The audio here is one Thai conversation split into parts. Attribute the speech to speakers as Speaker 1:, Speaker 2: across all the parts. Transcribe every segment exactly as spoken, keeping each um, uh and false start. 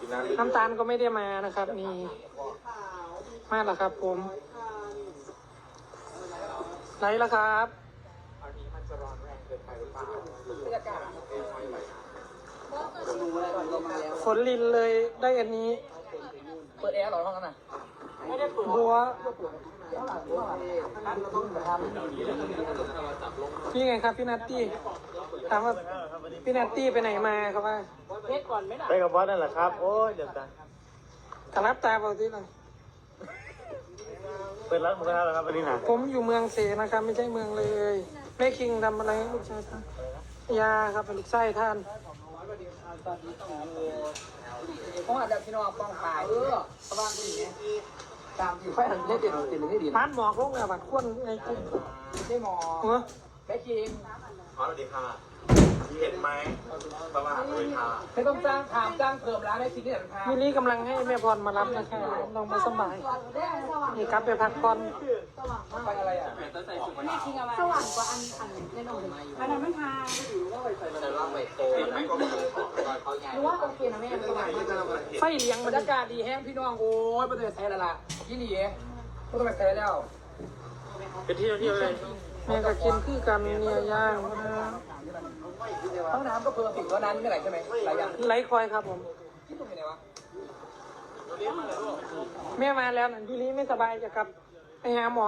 Speaker 1: น้ำตาลก็ไม่ได้มานะครับนี่มาแล้วครับผมไหนล่ะครับฝนลินเลยได้อันนี้
Speaker 2: เปิดแอร์หรอห้องนั้นน่ะไม่ได้เปิด
Speaker 1: บัวนี่ไงครับพี่นัตตี้ถามว่าพี่นัตตี้ไปไหนมาครับว่าเทสก่อนไหมล่ะ
Speaker 3: ไปกับบอสนั่นแหละครับโอ้ยเดี๋ยวตา
Speaker 1: ขลับตาเปล่าที่ไหน
Speaker 3: เปิดร้านหมูกระทะแล้วครับวันนี้นะ
Speaker 1: ผมอยู่เมืองเสนะครับไม่ใช่เมืองเลยแม่คิงทำอะไรลูกชายท่านยาครับเป็นลูกไส้ท่าน
Speaker 2: เพราะว่าแบบพี่น้องป้องปลายเออประมาณนี้ไงตามที่ค่อยหันเล่นเด่นเด่นเลยดี
Speaker 1: ร้านหมอกลงอ่ะบัดควนในกลุ่ม
Speaker 2: ได้หมอแม่คิง
Speaker 3: สวัสดีค่ะเห็นไหมประมาณเลยค่ะ
Speaker 2: ไม่ต้องจ้างถามจ้างเพิ่มร้านให้คิงนี่แหละค่ะ
Speaker 1: มิลลี่กำลังให้แม่พรมารับนะคะลองมาสบายนี่ครับไปพักผ่อน
Speaker 2: ไปอะไรอ่ะ
Speaker 4: วันนี้คิงเอามาสว่างกว่าอันอันแน่นอนอันนั้นไม่ทานหรือว่าโอเคนะแม่สว่าง
Speaker 1: ไฟเลี้ยง
Speaker 2: บรรยากาศดีแห้งพี่น้องโอ้ยประตูใส่แล้วล่ะยี่หลีประตูใส่แล้ว
Speaker 3: เป็นที่เที่ยวเลย
Speaker 1: แม่ก็กินคือกันเนี่ยย่าง
Speaker 2: ห้องน้ำก็เพิ่มสิ่งว่านั้นไม่ไหลใช่ไหมหลายอย่าง
Speaker 1: ไหลคอยครับผม
Speaker 2: ที่ตรงไหนวะ
Speaker 1: แม่มาแล้วนั่นพี่ลี่ไม่สบายจะกลับไปหาหมอ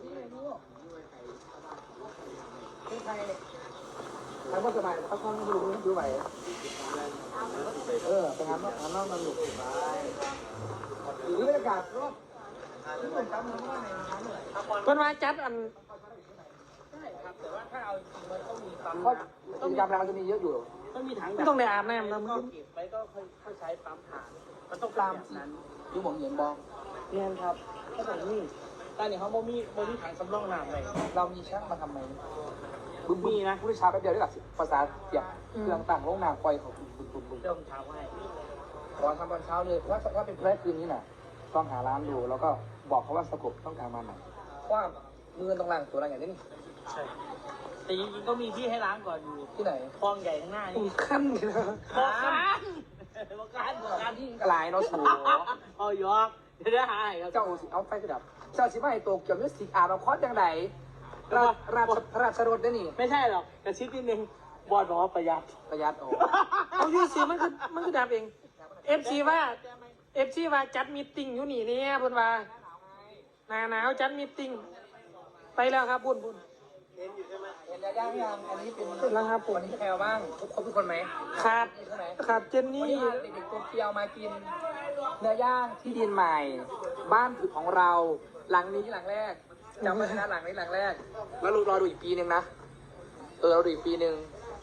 Speaker 2: ที่ไทยทำก็สบายเขาค่อนข้างดูดูไหวเออไปหาหมอหาหมอมาหลุดหรือบรรยากาศรอบที่ผมจำมันว่าในน้ำเลย
Speaker 1: เพิ่นมาจัดอัน
Speaker 2: ใช่ครับแต่ว่าถ้าเอาจริงมันต้องมีปั๊มเพราะกิจกรรมเราจะมีเยอะอยู่
Speaker 1: ต้องมีถังต้องได้อาบน้ำแล้ว
Speaker 2: มันเก็บไว้ก็ค่อยใช้ปั๊มถ่านมันต้องตามนั้นดูผมเห็นบอง
Speaker 1: เรียนครับก็แบบนี้
Speaker 2: แต่เนี่ยเขาโมมีโมมีถังสำรองน้ำเลยเรามีช่างมาทำไหมบึ้มมีนะผู้ชายแป๊บเดียวได้หลักภาษาเสียบเครื่องต่างโรงน้ำปล่อยเขาบึ้มบึ้มบึ้มบึ้มเติมเช้าให้ขอทำตอนเช้าเลยถ้าถ้าเป็นแค่คืนนี้น่ะต้องหาร้านดูแล้วก็บอกเขาว่าสกปต้องการมาไหนว่ามือตรงล่างตัวอะไรอย่างนี้
Speaker 3: ใช่แต่จริงๆก็มีที่ให้ล้างก่อนอยู่
Speaker 2: ที่ไหน
Speaker 3: คลองใหญ่ข้างหน้านี่
Speaker 1: ขั้นเลยนะ
Speaker 3: บอกกันบอกกันบอกกัน
Speaker 2: ที่กลายเนาะสูง
Speaker 3: เอายอกจะได้หายครับ
Speaker 2: เจ้าสิเอาไฟกระดับเจ้าสิมาให้โตเกี่ยวกับสิอาเราคอสอย่างไรราราราชรถได้นี่
Speaker 3: ไม่ใช่หรอกกระชิดนิดนึงบอดบอกว่าประหยัด
Speaker 2: ประหยัดโอ้
Speaker 1: เอายูซีมันคือมันคือดับเองเอฟซีว่าเอฟซีว่าจัดมีติ้งอยู่นี่เนี่ยพูดว่าหนาหนาวจัดมีติ้งไปแล้วครับบุญบุญ
Speaker 2: เห็นอยู่ใช่ไหมเห็นแล้วยังยังอันนี้เป็น
Speaker 1: แล้วครับผม
Speaker 2: วันนี้ใครเอาบ้างครบทุกคนไหม
Speaker 1: ขาดขาดเจนนี่
Speaker 2: เด็กๆโตเกียวมากินเนื้อย่างที่ดินใหม่บ้านของเราหลังนี้หลังแรกจำไว้นะหลังนี้หลังแรกแล้วรอดูอีกปีหนึ่งนะเออเราดูอีกปีหนึ่ง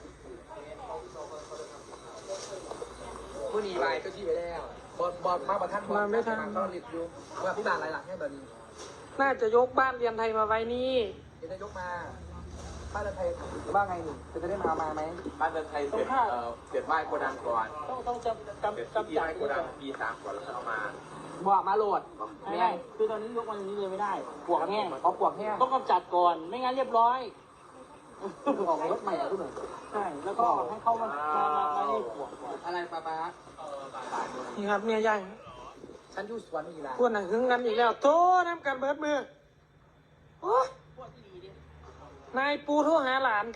Speaker 2: ผู้หนีไปก็ชี้ไปแล้วบอลบอลมาประทันบอล
Speaker 1: ไม่ทัน
Speaker 2: เขาหลีบอยู่ว่าพี่บานหลายหลังให้แบบนี้
Speaker 1: น่าจะยกบ้านเรียนไทยมาไว้นี่
Speaker 2: จะได้ยกมาบ้านเรือนไทยว่าไงนี่จะได้มามาไหม
Speaker 3: บ้านเรือนไทยเสร็จเอ่อเสร็จไหว้โกดังก่อน
Speaker 1: ต้องต้องจำจำจำ
Speaker 3: จ่ายโกดังปีสามก่อนแล้วเอามา
Speaker 2: บอกมาโหลด
Speaker 3: ไม่ได้คือตอนนี้ยกวันนี้เลยไม่ได้ปวกแห้ง
Speaker 2: เพราะปวกแห้ง
Speaker 3: ต้องกำจัดก่อนไม่งั้นเรียบร้อย
Speaker 2: ออกรถใหม่ทุกหน่อย
Speaker 3: ใช่แล้วก็ให้เข้ามามามามาให้ปวก
Speaker 2: อะไรป้าป้า
Speaker 1: นี่ครับเนี่ยใหญ่
Speaker 2: ฉันอยู่สวนนี่ละ
Speaker 1: พวกนั้นหึงกันอีกแล้วโทษน้ำกันเบิดมือโอ้นายปูโทรหาหลาน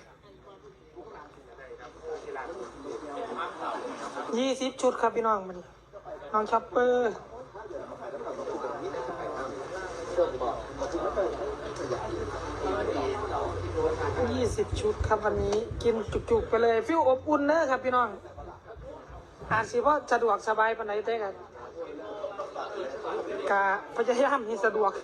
Speaker 1: ยี่สิบชุดครับพี่น้องมันน้องช็อปเปอร์ยี่สิบชุดครับวันนี้กินจุกๆไปเลยฟิวอบอุ่นเนอะครับพี่น้องอาจสิเพราะสะดวกสบายปานไหนเต้กันกะพยายามให้สะดวก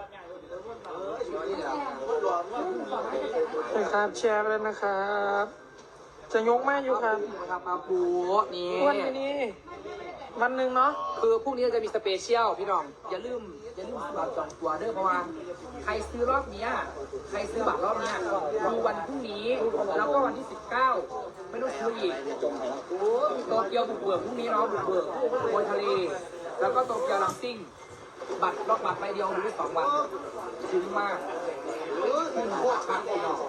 Speaker 1: นะครับแชร์เลยนะครับจะยกมากอยู่ครับ
Speaker 2: ครับมาปูนี่
Speaker 1: วันนี้วันหนึ่งเนาะ
Speaker 2: คือพรุ่งนี้จะมีสเปเชียลพี่น้องอย่าลืมอย่าลืมบัตรจองตัวเด้อเพราะว่าใครซื้อรอบนี้ใครซื้อบัตรรอบนี้ดูวันพรุ่งนี้แล้วก็วันที่สิบเก้าไม่ต้องซื้ออีกโตเกียวบุกเบิกพรุ่งนี้เนาะบุกเบิกบนทะเลแล้วก็โตเกียวลังซิ่งบัตรรอบบัตรใบเดียวดูได้สองวันคุ้มมากขึ้นพวกชักพี่น้อง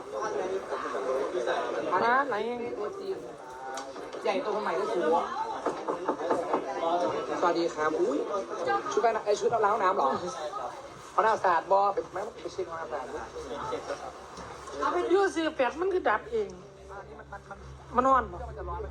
Speaker 1: ร้านไหน
Speaker 2: ตัวจริงใหญ่ตัวใหม่ก็สูงสวัสดีครับอุ้ยชุดไปไอชุดล้างน้ำหรอเขาหน้าสะอาดบอไปไหมไปเช็คห้องน้ำสะอาดด้วย
Speaker 1: เอาไปยูซีแปดมันคือดับเองมันนอนบ่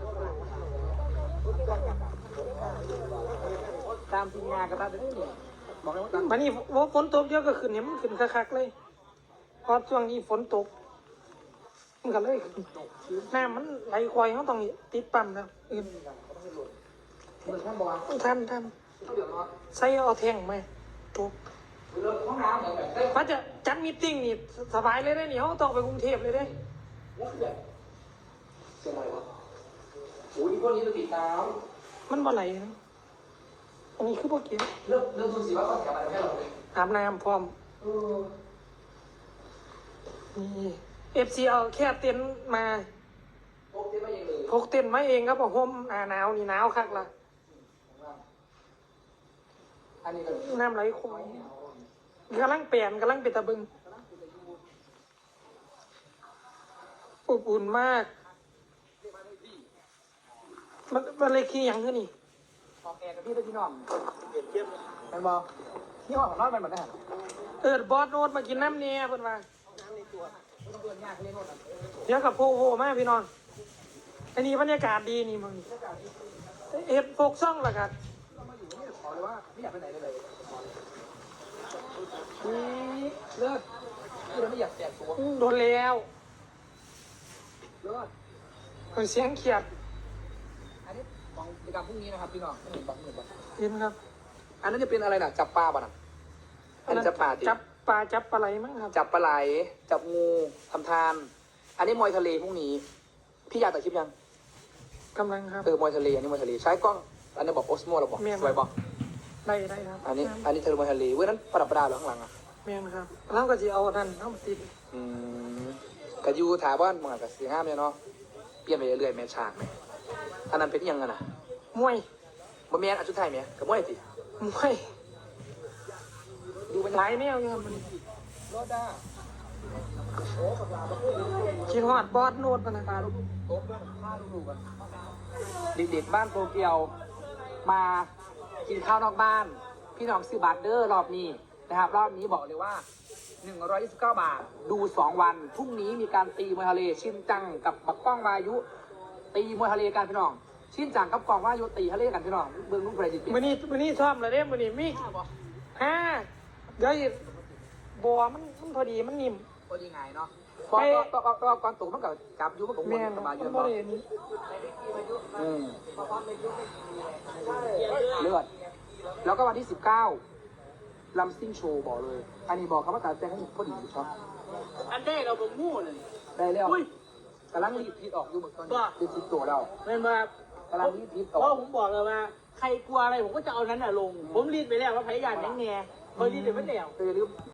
Speaker 2: ตามทีมงานก็ตามได้นี่บอกเลยว่าตาม
Speaker 1: วันนี้ว่าฝนตกเยอะก็ขึ้นเนี่ยมันขึ้นคักๆเลยพอช่วงนี้ฝนตกมันก็เลยขึ้นน้ำมันไหลควายเขาต้องติดปั๊มแล้วอื่น
Speaker 2: มือท่านบอกว่า
Speaker 1: ท่านท่าน
Speaker 2: เดี๋ยวรอ
Speaker 1: ใส่เอาแท่งไหมตก
Speaker 2: เริ่มห้องน้ำแบบแบบ
Speaker 1: ว่าจะจัดมีตติ้งนี่สบายเลยได้นี่เขาต้องไปกรุงเทพเลยได้
Speaker 2: เสียงอะไรวะโอ้ยพวกนี้จะติดตาม
Speaker 1: มันบ่ไหลนะอันนี้คือพวกเกี่ยว
Speaker 2: เริ่มเริ่มสุดสีว่าก่อนกลับมาให้เราเลย
Speaker 1: อาบน้ำพร้อม
Speaker 2: เออ
Speaker 1: นี่เอฟซีเอาแค่เต็นท์มา
Speaker 2: พกเต็มไม่ยังเลย
Speaker 1: พกเต็นท์มาเองครับผมห่มหนาหนาวนี่หนาวคักละ
Speaker 2: อันนี้ก็
Speaker 1: น้ำไหลคอยกำลังเปลี่ยนกำลังเป็นตะบึงอบอุ่นมาก มันมันเลยขี้หยังขึ้นนี่
Speaker 2: ออกแอร์กับพี่ด้วยพี่น้องมันบอกที่ห้องของน้อยมันเหมือนกัน
Speaker 1: เออบอสโนดมากินน้ำเนี่ยเพิ่นว่า
Speaker 2: เพื่อนยากเล่นโน่น
Speaker 1: เดี๋ยวกับโพโพมากพี่น้องอันนี้บรรยากาศดีนี่มึงเฮ็ดโฟกซ่องละกัน
Speaker 2: ขอเลยว่าไม่อยากไปไหนเลยเลยนี่เลิศพี่เราไม่อยากแตกตัว
Speaker 1: อืมโดนแล้ว
Speaker 2: เลิศ
Speaker 1: เพิ่นเสียงเขียด
Speaker 2: อันนี้ของกิจกรรมพรุ่งนี้นะครับพี่น้องไม่เห็นบอกไม่เห็นบอก
Speaker 1: เห็นครับ
Speaker 2: อันนั้นจะเป็นอะไรน่ะจับปลาป่ะน่ะอันนี้จับปลาดิ
Speaker 1: จับปลาจับปลาไหลมั้งครับ
Speaker 2: จับปลาไหลจับงูทำทาน อันนี้มวยทะเลพรุ่งนี้ พี่อยากตัดคลิปยัง
Speaker 1: กำลังครับ
Speaker 2: เออมวยทะเลอันนี้มวยทะเลใช้กล้อง อันนี้บอกโอสโมเราบอก
Speaker 1: แม่น
Speaker 2: สวยบอก
Speaker 1: ได้ได้ครับ
Speaker 2: อันนี้ อันนี้เธอมวยทะเลเว้ยนั้นประดับประดาเหรอข้างหลังอ่ะ
Speaker 1: แม่นครับแล้วก็จะเอาอันนั้นเอามาติด
Speaker 2: อืมกะยูถามว่ามันกับสีห้ามเนี่ยเนาะเปลี่ยนไปเรื่อยๆแม่ฉากไหมอันนั้นเป็นยังไงน่ะ
Speaker 1: มวย
Speaker 2: บ่แม่นอันชุดไทยไหมกับมวยสิ
Speaker 1: มวย
Speaker 2: ดูมัน
Speaker 1: หลายแนวอยู่ครับมัน
Speaker 2: รถด้า
Speaker 1: คิดฮอดบอสโนดปะนะครับ
Speaker 2: โต๊ะผ้าดูๆกันเด็กๆบ้านโตเกียวมากินข้าวนอกบ้าน พี่น้องซื้อบัตรเดอร์รอบนี้นะครับ รอบนี้บอกเลยว่า หนึ่งร้อยยี่สิบเก้า บาท ดู สอง วัน พรุ่งนี้มีการตีมวยทะเลชินจังกับบักก้องวายุ ตีมวยทะเลกันพี่น้อง ชินจังกับกองวายุตีทะเลกันพี่น้องเบื้องลูกประดิษฐ์
Speaker 1: มื้อนี้มื้อนี้ซ้อมแล้วเด้มื้อนี้มีห้าเดี๋ยวอีกบัวมันมันพอดีมันนิ่ม
Speaker 2: ก็ยังไงเนาะตอนตอนตอนก่อนตกมันกับจับอยู่มันกับวน
Speaker 1: แม่น
Speaker 2: สบายอยู่
Speaker 1: มัน
Speaker 2: เนาะ
Speaker 1: บ่ได้อันนี้
Speaker 2: อืมเลือด แล้วก็วันที่สิบเก้าลัมซิ่งโชว์บอกเลย อันนี้บอกคำว่าการแจ้งให้พอดีอยู่ช็อป
Speaker 5: อันแรกเราบ่มู่เลย
Speaker 2: ได้แล้ว
Speaker 5: อุ้ย
Speaker 2: กำลังรีบพิดออกอยู่เหมือนตอนนี้
Speaker 5: บ้า
Speaker 2: รีบพิดตัวเรา
Speaker 5: เป็นว่าก
Speaker 2: ำลังรีบพิดอ
Speaker 5: เพ
Speaker 2: อก
Speaker 5: ราะผมบอกเลยว่า ใครกลัวอะไรผมก็จะเอานั้นน่ะลง ผมรีดไปแล้วว่าพยายามยังแงพอรีดเดี๋ยวมันเดี่ยว
Speaker 2: เออลืม